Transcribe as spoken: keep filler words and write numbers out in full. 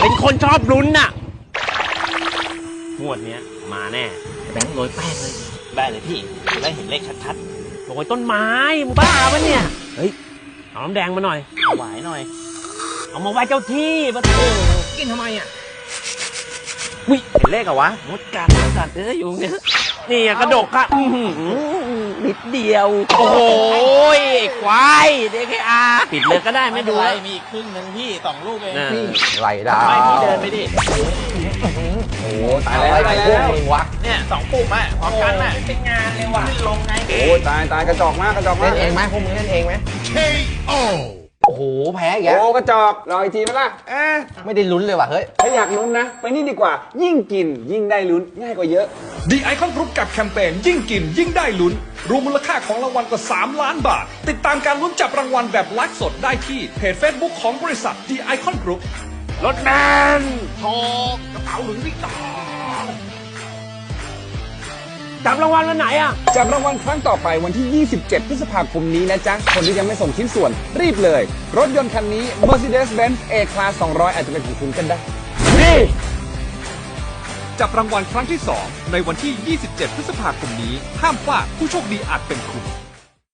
เป็นคนชอบลุ้นน่ะงวดเนี้ยมาแน่แบงค์โรยแป้งเลยได้เลยพี่ได้เห็นเลขชัดๆโรยต้นไม้มึงบ้าปะเนี่ยเฮ้ยเอาน้ำแดงมาหน่อยเอาหวายหน่อยเอามาไหว้เจ้าที่ปะโถกินทำไมอ่ะวิเห็นเลขเหรอวะมดกัดมดกัดเอ้ยอยู่เนี่ยนี่กระดกอะนิดเดียวโอ้โหควายเด็กอาปิดเลยก็ได้ไม่ดูอะไรมีอีกครึ่งนึงพี่สองลูกเองพี่ไหลดาวไม่พี่เดินไปดิโอ้ตายแล้วตายแล้วพวกมึงวะเนี่ยสองปุ่มอ่ะพร้อมกันอ่ะเป็นงานเลยว่ะขึ้นลงไงโอ้ตายตายกระจอกมากกระจอกมากเล่นเองไหมพวกมึงเล่นเองไหมเค โอโอ้โหแพ้อีกแล้วโอ้กระจอกรออีกทีไหมล่ะเอ๊ะไม่ได้ลุ้นเลยว่ะเฮ้ยถ้าอยากลุ้นนะไปนี่ดีกว่ายิ่งกินยิ่งได้ลุ้นง่ายกว่าเยอะ The Icon Group กับแคมเปญยิ่งกินยิ่งได้ลุ้นรวมมูลค่าของรางวัลกว่าสามล้านบาทติดตามการลุ้นจับรางวัลแบบไลฟ์สดได้ที่เพจ Facebook ของบริษัท The Icon Group รถแมนโชว์กระเป๋าหลุยส์วิกตอร์จับรางวัลวันไหนอ่ะจับรางวัลครั้งต่อไปวันที่ ยี่สิบเจ็ด พฤษภาคมนี้นะจ๊ะคนที่ยังไม่ส่งชิ้นส่วนรีบเลยรถยนต์คันนี้ Mercedes-Benz A-Class สองร้อยอาจจะเป็นของคุณกันได้นี่จับรางวัลครั้งที่สองในวันที่ ยี่สิบเจ็ด พฤษภาคมนี้ห้ามพลาดผู้โชคดีอาจเป็นคุณ